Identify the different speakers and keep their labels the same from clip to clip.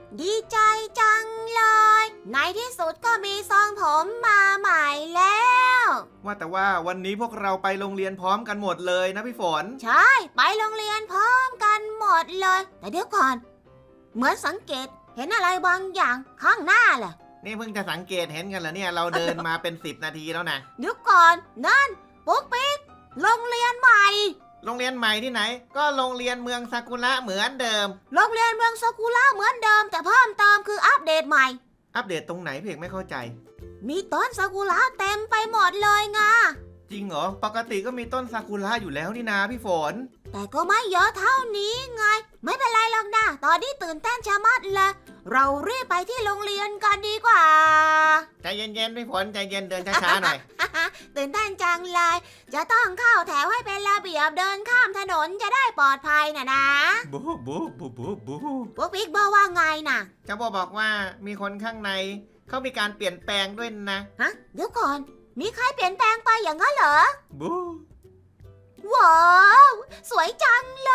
Speaker 1: ดีใจจังเลยในที่สุดก็มีทรงผมมาใหม่แล้ว
Speaker 2: ว่าแต่ว่าวันนี้พวกเราไปโรงเรียนพร้อมกันหมดเลยนะพี่ฝน
Speaker 1: ใช่ไปโรงเรียนพร้อมกันหมดเลยแต่เดี๋ยวก่อนเหมือนสังเกตเห็นอะไรบางอย่างข้างหน้าแหละ
Speaker 2: นี่เพิ่งจะสังเกตเห็นกันเหรอเนี่ยเราเดินมาเป็น10 นาทีแล้วนะ
Speaker 1: เดี๋ยวก่อนนั่นปุ๊กปิ๊กโรงเรียนใหม่
Speaker 2: โรงเรียนใหม่ที่ไหน ก็โรงเรียนเมืองซากุระเหมือนเดิม
Speaker 1: โรงเรียนเมืองซากุระเหมือนเดิมแต่เพิ่มเติมคืออัปเดตใหม่
Speaker 2: อัปเดตตรงไหนเพียงไม่เข้าใจ
Speaker 1: มีต้นซากุระเต็มไปหมดเลยไง
Speaker 2: จริงเหรอปกติก็มีต้นซากุระอยู่แล้วนี่นาพี่ฝน
Speaker 1: แต่ก็ไม่เยอะเท่านี้ไงไม่เป็นไรหรอกนะตอนนี้ตื่นเต้นชะมัดเลยเรารีบไปที่โรงเรียนกันดีกว่า
Speaker 2: ใจเย็นๆพี่ฝนใจเย็นเดินช้าๆหน่อย
Speaker 1: ตื่นเต้นจังเลยจะต้องเข้าแถวให้เป็นระเบียบเดินข้ามถนนจะได้ปลอดภัยนะ
Speaker 2: บูบูบูบูบู
Speaker 1: พวกบิ๊กบอกว่าไงนะ
Speaker 2: เจ้าบอกว่ามีคนข้างในเขามีการเปลี่ยนแปลงด้วยนะ
Speaker 1: ฮะเดี๋ยวก่อนมีใครเปลี่ยนแปลงไปอย่างนั้นเหรอ
Speaker 2: บู
Speaker 1: ว้าวสวยจังเลย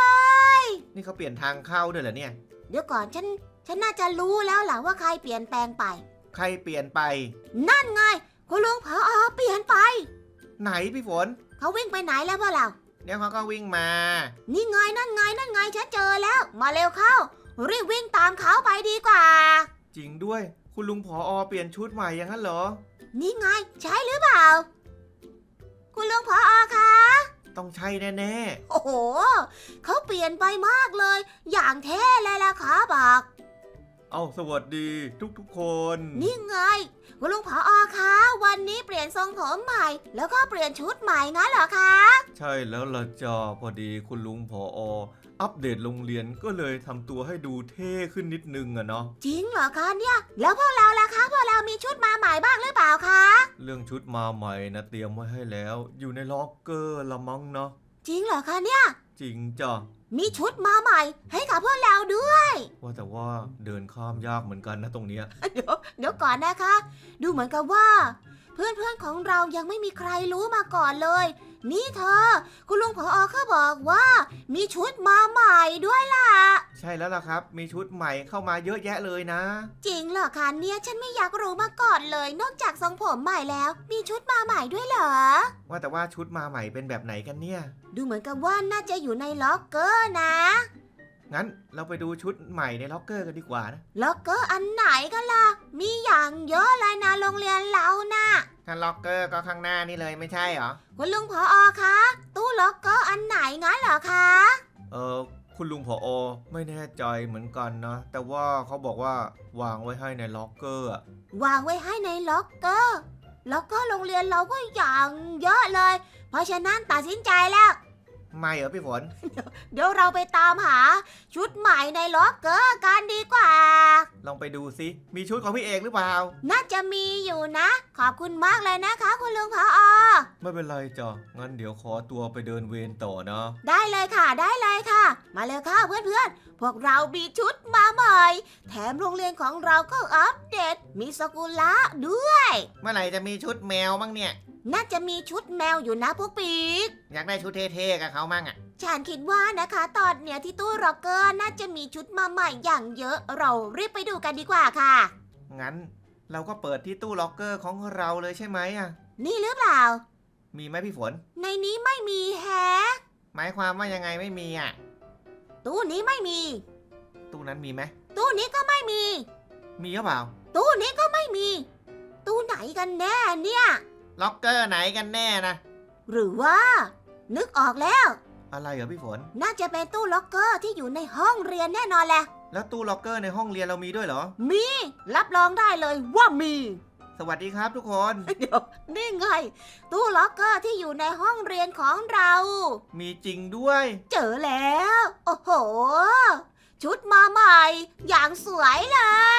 Speaker 2: นี่เขาเปลี่ยนทางเข้าด้วยเหรอเนี่ย
Speaker 1: เดี๋ยวก่อนฉันน่าจะรู้แล้วล่ะว่าใครเปลี่ยนแปลงไป
Speaker 2: ใครเปลี่ยนไป
Speaker 1: นั่นไงคุณลุงผอเปลี่ยนไป
Speaker 2: ไหนพี่ฝน
Speaker 1: เขาวิ่งไปไหนแล้วพ่อเรา
Speaker 2: เดี๋ยวเขาก็วิ่งมา
Speaker 1: นี่ไงนั่นไงฉันเจอแล้ว มาเร็วเข้า รีบวิ่งตามเขาไปดีกว่า
Speaker 2: จริงด้วยคุณลุงผอเปลี่ยนชุดใหม่อย่างนั้นเหรอ
Speaker 1: นี่ไงใช่หรือเปล่า คุณลุงผอคะ
Speaker 2: ต้องใช่แน่
Speaker 1: โอ้โหเขาเปลี่ยนไปมากเลย อย่างเท่เลยล่ะค่ะบอก
Speaker 2: ๆเอาสวัสดีทุกๆคน
Speaker 1: นี่ไงคุณลุงผอคะวันนี้เปลี่ยนทรงผมใหม่ แล้วก็เปลี่ยนชุดใหม่งั้นเหรอคะ
Speaker 2: ใช่แล้วล่ะจ้าพอดีคุณลุงผออัปเดตโรงเรียนก็เลยทำตัวให้ดูเท่ขึ้นนิดนึงอะเนาะ
Speaker 1: จริงเหรอคะเนี่ยแล้วพวกเราล่ะคะพวกเรามีชุดมาใหม่บ้างหรือเปล่าคะ
Speaker 2: เรื่องชุดมาใหม่นะเตรียมไว้ให้แล้ว อยู่ในล็อกเกอร์ละมั้งเนาะ
Speaker 1: จริงเหรอคะเนี่ย
Speaker 2: จริงจ้ะ
Speaker 1: มีชุดมาใหม่ให้กับพวกเราด้วย
Speaker 2: ว่าแต่ว่าเดินข้ามยากเหมือนกันนะตรงเนี้ย
Speaker 1: เดี๋ยวก่อนนะคะ ดูเหมือนกับว่า เพื่อนๆของเรายังไม่มีใครรู้มาก่อนเลย นี่เธอ คุณลุงผอเขาบอกว่า มีชุดมาใหม่ด้วยล่ะ
Speaker 2: ใช่แล้วล่ะครับ มีชุดใหม่เข้ามาเยอะแยะเลยนะ
Speaker 1: จริงเหรอคะเนี่ยฉันไม่อยากรู้มาก่อนเลย นอกจากทรงผมใหม่แล้ว มีชุดมาใหม่ด้วยเหรอ
Speaker 2: ว่าแต่ว่าชุดมาใหม่เป็นแบบไหนกันเนี่ย
Speaker 1: ดูเหมือนกับว่าน่าจะอยู่ในล็อกเกอร์นะ
Speaker 2: งั้นเราไปดูชุดใหม่ในล็อกเกอร์กันดีกว่านะ
Speaker 1: ล็อกเกอร์อันไหนกันล่ะ มีอย่างเยอะเลยนะโรงเรียนเรานะ
Speaker 2: ถ้าล็อกเกอร์ก็ข้างหน้านี่เลยไม่ใช่เหรอ
Speaker 1: คุณลุงผอคะตู้ล็อกเกอร์อันไหนงั้นเหรอคะ
Speaker 2: คุณลุงผอไม่แน่ใจเหมือนกันนะ แต่ว่าเขาบอกว่าวางไว้ให้ในล็อกเกอร์อะ
Speaker 1: วางไว้ให้ในล็อกเกอร์ ล็อกเกอร์โรงเรียนเราก็อย่างเยอะเลย เพราะฉะนั้นตัดสินใจแล้ว
Speaker 2: ไม่เหรอพี่ฝน
Speaker 1: เดี๋ยวเราไปตามหาชุดใหม่ในล็อกเกอร์กันดีกว่า
Speaker 2: ลองไปดูซิมีชุดของพี่เอกหรือเปล่า
Speaker 1: น่าจะมีอยู่นะ ขอบคุณมากเลยนะคะคุณลุงผอ
Speaker 2: ไม่เป็นไรจ้ะงั้นเดี๋ยวขอตัวไปเดินเวรต่อนะ
Speaker 1: ได้เลยค่ะได้เลยค่ะ มาเลยค่ะเพื่อนๆ พวกเรามีชุดมาใหม่ แถมโรงเรียนของเราก็อัปเดต มีสกุละด้วย
Speaker 2: เมื่อไหร่จะมีชุดแมวบ้างเนี่ย
Speaker 1: น่าจะมีชุดแมวอยู่นะพวกปีก
Speaker 2: อยากได้ชุดเท่ๆกับเขามั่งอ่ะ
Speaker 1: ฉันคิดว่านะคะ ตอนเนี้ยที่ตู้ร็อกเกอร์น่าจะมีชุดมาใหม่อย่างเยอะ เรารีบไปดูกันดีกว่าค่ะ
Speaker 2: งั้นเราก็เปิดที่ตู้ล็อกเกอร์ของเราเลยใช่ไหมอ่ะ
Speaker 1: นี่หรือเปล่า
Speaker 2: มีไหมพี่ฝน
Speaker 1: ในนี้ไม่มีแฮะ
Speaker 2: หมายความว่ายังไงไม่มีอ่ะ
Speaker 1: ตู้นี้ไม่มี
Speaker 2: ตู้นั้นมีไหม
Speaker 1: ตู้นี้ก็ไม่มี
Speaker 2: มีหรือเปล่า
Speaker 1: ตู้นี้ก็ไม่มี ตู้ไหนกันแน่เนี่ย
Speaker 2: ล็อกเกอร์ไหนกันแน่นะ
Speaker 1: หรือว่า นึกออกแล้ว
Speaker 2: อะไรเหรอพี่ฝน
Speaker 1: น่าจะเป็นตู้ล็อกเกอร์ที่อยู่ในห้องเรียนแน่นอนแหละ
Speaker 2: แล้วตู้ล็อกเกอร์ในห้องเรียนเรามีด้วยเหรอ
Speaker 1: มี รับรองได้เลยว่ามี
Speaker 2: สวัสดีครับทุกคน
Speaker 1: เดี๋ยวนี่ไง ตู้ล็อกเกอร์ที่อยู่ในห้องเรียนของเรา
Speaker 2: มีจริงด้วย
Speaker 1: เจอแล้ว โอ้โห ชุดมาใหม่ อย่างสวยเลย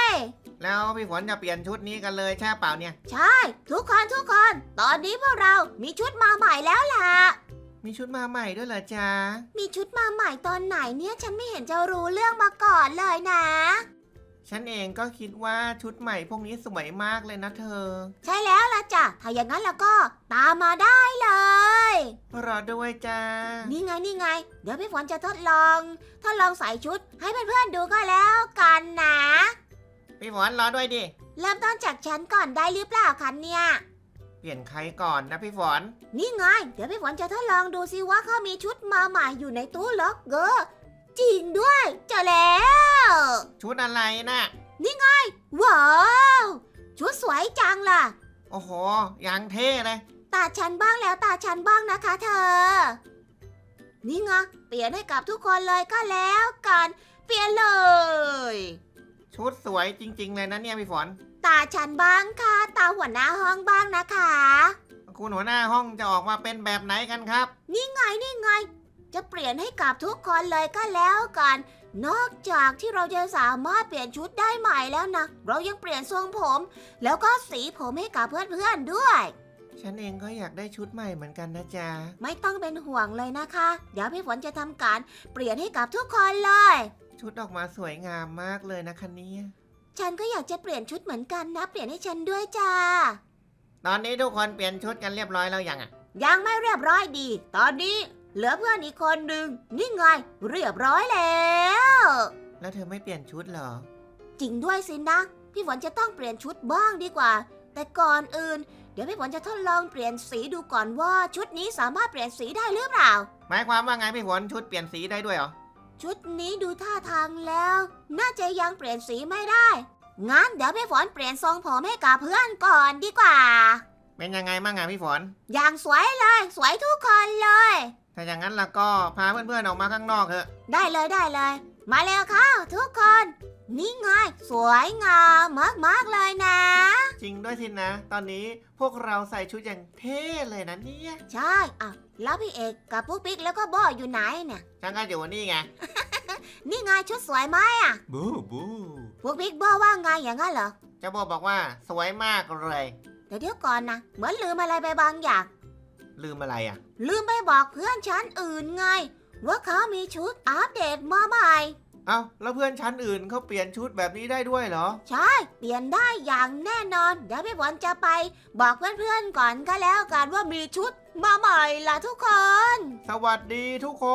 Speaker 2: แล้วพี่ฝนจะเปลี่ยนชุดนี้กันเลยใช่เปล่าเนี่ย
Speaker 1: ใช่ ทุกคน ตอนนี้พวกเรามีชุดมาใหม่แล้วล่ะ
Speaker 2: มีชุดมาใหม่ด้วยเหรอจ๊ะ
Speaker 1: มีชุดมาใหม่ตอนไหนเนี่ยฉันไม่เห็นจะรู้เรื่องมาก่อนเลยนะ
Speaker 2: ฉันเองก็คิดว่าชุดใหม่พวกนี้สวยมากเลยนะเธอ
Speaker 1: ใช่แล้วล่ะจ้ะ ถ้าอย่างนั้นแล้วก็ตามมาได้เลย
Speaker 2: รอด้วยจ้า
Speaker 1: นี่ไง เดี๋ยวพี่ฝนจะทดลองใส่ชุดให้เพื่อนๆดูก็แล้วกันนะ
Speaker 3: ฝนรอด้วยดิ
Speaker 1: เริ่มต้นจากฉันก่อนได้หรือเปล่าคะเนี่ย
Speaker 3: เปลี่ยนใครก่อนนะพี่ฝน
Speaker 1: นี่ไง เดี๋ยวพี่ฝนจะทดลองดูสิว่าเขามีชุดมาใหม่อยู่ในตู้ล็อกเกอร์ จริงด้วยเจอแล้ว
Speaker 3: ชุดอะไรนะ
Speaker 1: ว้าว ชุดสวยจังล่ะ
Speaker 3: โอ้โหยังเท่เลย
Speaker 1: ตาฉันบ้างแล้วตาฉันบ้างนะคะเธอ นี่ไงเปลี่ยนให้กับทุกคนเลยก็แล้วกันเปลี่ยนเลย
Speaker 3: ชุดสวยจริง ๆ เลยนะเนี่ยพี่ฝน
Speaker 1: ตาฉันบ้างค่ะตาหัวหน้าห้องบ้างนะคะ
Speaker 3: คุณหัวหน้าห้องจะออกมาเป็นแบบไหนกันครับ
Speaker 1: นี่ไงจะเปลี่ยนให้กับทุกคนเลยก็แล้วกัน นอกจากที่เราจะสามารถเปลี่ยนชุดได้ใหม่แล้วนะเรายังเปลี่ยนทรงผม แล้วก็สีผมให้กับเพื่อนๆด้วย
Speaker 3: ฉันเองก็อยากได้ชุดใหม่เหมือนกันนะจ๊ะ
Speaker 1: ไม่ต้องเป็นห่วงเลยนะคะ เดี๋ยวพี่ฝนจะทำการเปลี่ยนให้กับทุกคนเลย
Speaker 3: ชุดออกมาสวยงามมากเลยนะคะเนี่ย
Speaker 1: ฉันก็อยากจะเปลี่ยนชุดเหมือนกันนะ เปลี่ยนให้ฉันด้วยจ้า
Speaker 3: ตอนนี้ทุกคนเปลี่ยนชุดกันเรียบร้อยแล้วยังอ่ะ
Speaker 1: ยังไม่เรียบร้อยดี ตอนนี้เหลือเพื่อนอีกคนหนึ่งนี่ไงเรียบร้อยแล้ว
Speaker 3: แล้วเธอไม่เปลี่ยนชุดเหรอ
Speaker 1: จริงด้วยสินะ พี่ฝนจะต้องเปลี่ยนชุดบ้างดีกว่า แต่ก่อนอื่น เดี๋ยวพี่ฝนจะทดลองเปลี่ยนสีดูก่อนว่าชุดนี้สามารถเปลี่ยนสีได้หรือเปล่า
Speaker 3: หมายความว่าไงพี่ฝนชุดเปลี่ยนสีได้ด้วยเหรอ
Speaker 1: ชุดนี้ดูท่าทางแล้ว น่าจะยังเปลี่ยนสีไม่ได้งั้นเดี๋ยวพี่ฝนเปลี่ยนทรงผมให้กับเพื่อนก่อนดีกว่า
Speaker 3: เป็นยังไงบ้างอ่ะพี่ฝน
Speaker 1: อย่างสวยเลยสวยทุกคนเลย
Speaker 3: ถ้าอย่างนั้นแล้วก็พาเพื่อนๆออกมาข้างนอกเถอะ
Speaker 1: ได้เลย มาเร็วเข้าทุกคนนี่ไงสวยงามมากๆเลยนะ
Speaker 3: จริงด้วยสินะ ตอนนี้พวกเราใส่ชุดอย่างเท่เลยนะเนี่ย
Speaker 1: ใช่อ่ะแล้วพี่เอกกับปุ๊กปิ๊กแล้วก็โบอยู่ไหนเนี่ย
Speaker 3: ฉันก็อยู่นี่ไง
Speaker 1: นี่ไงชุดสวยไหมอ่ะ
Speaker 2: บูบู
Speaker 1: ปุ๊กปิ๊กโบว่าไงอย่างนั้นเหรอ
Speaker 3: เจ้าโบบอกว่าสวยมากเลย
Speaker 1: แต่เดี๋ยวก่อนนะเหมือนลืมอะไรไปบางอย่าง
Speaker 3: ลืมอะไรอ่ะ
Speaker 1: ลืมไปบอกเพื่อนชั้นอื่นไง ว่าเขามีชุดอัปเดตมาใหม่
Speaker 3: เอ้าแล้วเพื่อนชั้นอื่นเขาเปลี่ยนชุดแบบนี้ได้ด้วยเหรอ
Speaker 1: ใช่เปลี่ยนได้อย่างแน่นอน เดี๋ยวพี่ฝนจะไปบอกเพื่อนๆก่อนก็แล้วกันว่ามีชุดมาใหม่ล่ะทุกคน
Speaker 3: สวัสดีทุกคน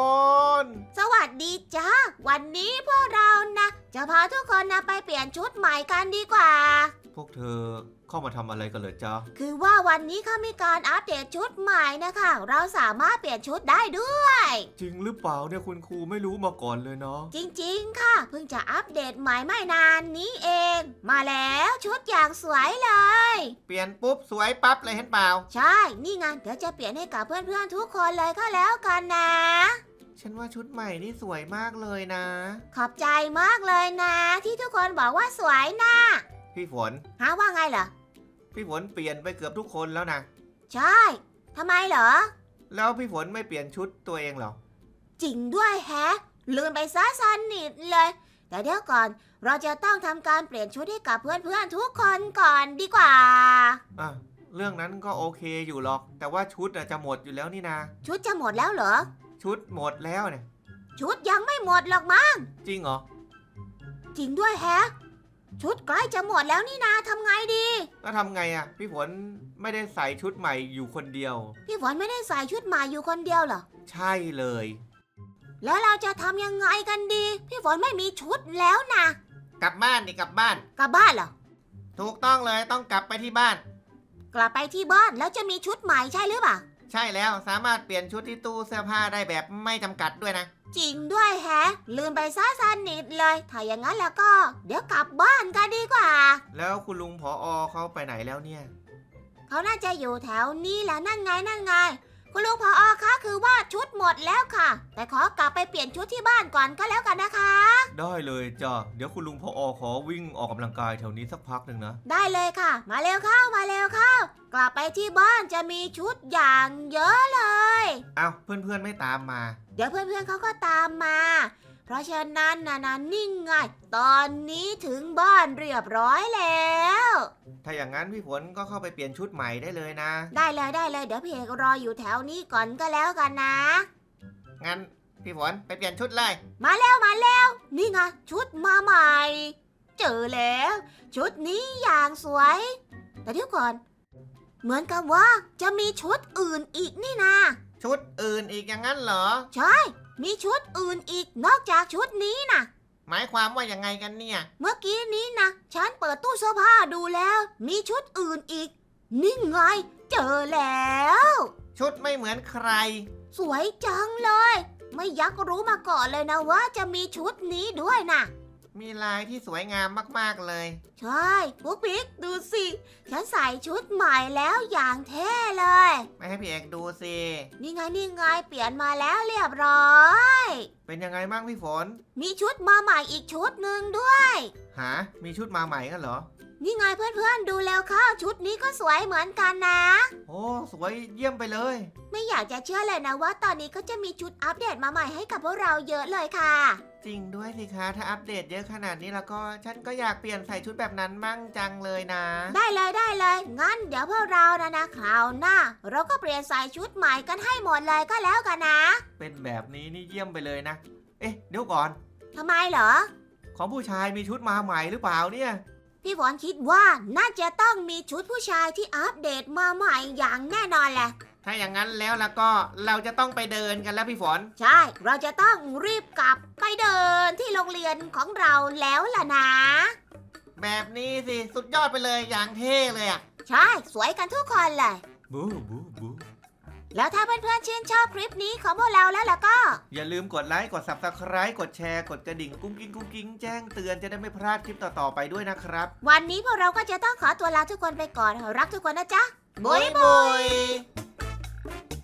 Speaker 1: สวัสดีจ้าวันนี้พวกเรานะจะพาทุกคนนะไปเปลี่ยนชุดใหม่กันดีกว่า
Speaker 2: พวกเธอเข้ามาทำอะไรกันเหรอจ๊ะ
Speaker 1: คือว่าวันนี้เขามีการอัปเดตชุดใหม่นะคะ เราสามารถเปลี่ยนชุดได้ด้วย
Speaker 2: จริงหรือเปล่าเนี่ยคุณครูไม่รู้มาก่อนเลยเนาะ
Speaker 1: จริงๆค่ะ เพิ่งจะอัปเดตใหม่ไม่นานนี้เอง มาแล้วชุดอย่างสวยเลย
Speaker 3: เปลี่ยนปุ๊บสวยปั๊บเลยเห็นเปล่า
Speaker 1: ใช่ นี่ไงเดี๋ยวจะเปลี่ยนให้กับเพื่อนๆทุกคนเลยก็แล้วกันนะ
Speaker 3: ฉันว่าชุดใหม่นี่สวยมากเลยนะ
Speaker 1: ขอบใจมากเลยนะ ที่ทุกคนบอกว่าสวยนะ
Speaker 3: พี่ฝน
Speaker 1: หาว่าไงเหรอ
Speaker 3: พี่ฝนเปลี่ยนไปเกือบทุกคนแล้วนะ
Speaker 1: ใช่ทำไมเหรอ
Speaker 3: แล้วพี่ฝนไม่เปลี่ยนชุดตัวเองเหรอ
Speaker 1: จริงด้วยแฮะ ลืมไปซะสนิทเลย แต่เดี๋ยวก่อนเราจะต้องทำการเปลี่ยนชุดให้กับเพื่อนๆทุกคนก่อนดีกว่า
Speaker 3: อ่ะเรื่องนั้นก็โอเคอยู่หรอก แต่ว่าชุดจะหมดอยู่แล้วนี่นะ
Speaker 1: ชุดจะหมดแล้วเหรอ
Speaker 3: ชุดหมดแล้วเนี่ย
Speaker 1: ชุดยังไม่หมดหรอกมั้ง
Speaker 3: จริงเหรอ
Speaker 1: จริงด้วยแฮะ ชุดใกล้จะหมดแล้วนี่นาทำไงดี
Speaker 3: แล้วทำไงอ่ะ พี่ฝนไม่ได้ใส่ชุดใหม่อยู่คนเดียว
Speaker 1: พี่ฝนไม่ได้ใส่ชุดใหม่อยู่คนเดียวเหรอ
Speaker 3: ใช่เลย
Speaker 1: แล้วเราจะทำยังไงกันดี พี่ฝนไม่มีชุดแล้วนะ
Speaker 3: กลับบ้านดิกลับบ้าน
Speaker 1: กลับบ้านเหรอ
Speaker 3: ถูกต้องเลยต้องกลับไปที่บ้าน
Speaker 1: กลับไปที่บ้านแล้วจะมีชุดใหม่ใช่หรือเปล่า
Speaker 3: ใช่แล้วสามารถเปลี่ยนชุดที่ตู้เสื้อผ้าได้แบบไม่จำกัดด้วยนะ
Speaker 1: จริงด้วยแฮะ ลืมไปซะสนิทเลย ถ้าอย่างนั้นแล้วก็ เดี๋ยวกลับบ้านกันดีกว่า
Speaker 3: แล้วคุณลุงผอเขาไปไหนแล้วเนี่ย
Speaker 1: เขาน่าจะอยู่แถวนี้แหละนั่นไง คุณลุงผอคะคือว่าชุดหมดแล้วค่ะ แต่ขอกลับไปเปลี่ยนชุดที่บ้านก่อนก็แล้วกันนะคะ
Speaker 2: ได้เลยจ้ะเดี๋ยวคุณลุงพอขอวิ่งออกกำลังกายแถวนี้สักพักหนึ่งนะ
Speaker 1: ได้เลยค่ะ มาเร็วเข้ากลับไปที่บ้านจะมีชุดอย่างเยอะเลย
Speaker 3: เอ้าเพื่อนๆไม่ตามมา
Speaker 1: เดี๋ยวเพื่อนๆเขาก็ตามมา เพราะฉะนั้นนะนิ่งไง ตอนนี้ถึงบ้านเรียบร้อยแล้ว
Speaker 3: ถ้าอย่างนั้นพี่ฝนก็เข้าไปเปลี่ยนชุดใหม่ได้เลยนะ
Speaker 1: ได้เลยเดี๋ยวพี่เอกรออยู่แถวนี้ก่อนก็แล้วกันนะ
Speaker 3: งั้นพี่ฝนไปเปลี่ยนชุดเลย
Speaker 1: มาแล้วนี่ไงชุดมาใหม่ เจอแล้ว ชุดนี้อย่างสวย แต่เดี๋ยวก่อน เหมือนกับว่าจะมีชุดอื่นอีกนี่นา
Speaker 3: ชุดอื่นอีกอย่างนั้นเหรอ
Speaker 1: ใช่ มีชุดอื่นอีกนอกจากชุดนี้นะ
Speaker 3: หมายความว่ายังไงกันเนี่ย
Speaker 1: เมื่อกี้นี้นะฉันเปิดตู้เสื้อผ้าดูแล้ว มีชุดอื่นอีก นี่ไง เจอแล้ว
Speaker 3: ชุดไม่เหมือนใคร
Speaker 1: สวยจังเลย ไม่อยักรู้มาก่อนเลยนะว่าจะมีชุดนี้ด้วยนะ
Speaker 3: มีลายที่สวยงามมากๆเลย
Speaker 1: ใช่ปุ๊กปิ๊กดูสิ ฉันใส่ชุดใหม่แล้วอย่างเท่เลย
Speaker 3: ไม่ให้พี่เอกดูสิ
Speaker 1: นี่ไงนี่ไงเปลี่ยนมาแล้วเรียบร้อย
Speaker 3: เป็นยังไงบ้างพี่ฝน
Speaker 1: มีชุดมาใหม่อีกชุดหนึ่งด้วย
Speaker 3: หา มีชุดมาใหม่กันเหรอ
Speaker 1: นี่ไงเพื่อนๆดูแล้วเข้าชุดนี้ก็สวยเหมือนกันนะ
Speaker 3: โอ้ สวยเยี่ยมไปเลย
Speaker 1: ไม่อยากจะเชื่อเลยนะว่าตอนนี้ก็จะมีชุดอัปเดตมาใหม่ให้กับพวกเราเยอะเลยค่ะ
Speaker 3: จริงด้วยสิคะ ถ้าอัปเดตเยอะขนาดนี้แล้วก็ฉันก็อยากเปลี่ยนใส่ชุดแบบนั้นมั่งจังเลยนะ
Speaker 1: ได้เลยได้เลยงั้นเดี๋ยวพวกเรานะคราวหน้า เราก็เปลี่ยนใส่ชุดใหม่กันให้หมดเลยก็แล้วกันนะ
Speaker 3: เป็นแบบนี้นี่เยี่ยมไปเลยนะ เอ๊ะ เดี๋ยวก่อน
Speaker 1: ทำไมเหรอ
Speaker 3: ของผู้ชายมีชุดมาใหม่หรือเปล่าเนี่ย
Speaker 1: พี่ฝนคิดว่าน่าจะต้องมีชุดผู้ชายที่อัปเดตมาใหม่อย่างแน่นอนแหละ
Speaker 3: ถ้าอย่างนั้นแล้วก็เราจะต้องไปเดินกันแล้วพี่ฝน
Speaker 1: ใช่ เราจะต้องรีบกลับไปเดินที่โรงเรียนของเราแล้วล่ะนะ
Speaker 3: แบบนี้สิ สุดยอดไปเลยอย่างเท่เลยอะ
Speaker 1: ใช่ สวยกันทุกคนเลย
Speaker 2: บูบูบู
Speaker 1: แล้วถ้าเพื่อนๆชื่นชอบคลิปนี้ของพวกเราแล้วล่ะก็
Speaker 3: อย่าลืมกดไลค์ กด Subscribe กดแชร์ กดกระดิ่งกุ้งกิ้งแจ้งเตือนจะได้ไม่พลาดคลิปต่อๆไปด้วยนะครับ
Speaker 1: วันนี้พวกเราก็จะต้องขอตัวลาทุกคนไปก่อน รักทุกคนนะจ๊ะ
Speaker 3: บ๊ายบาย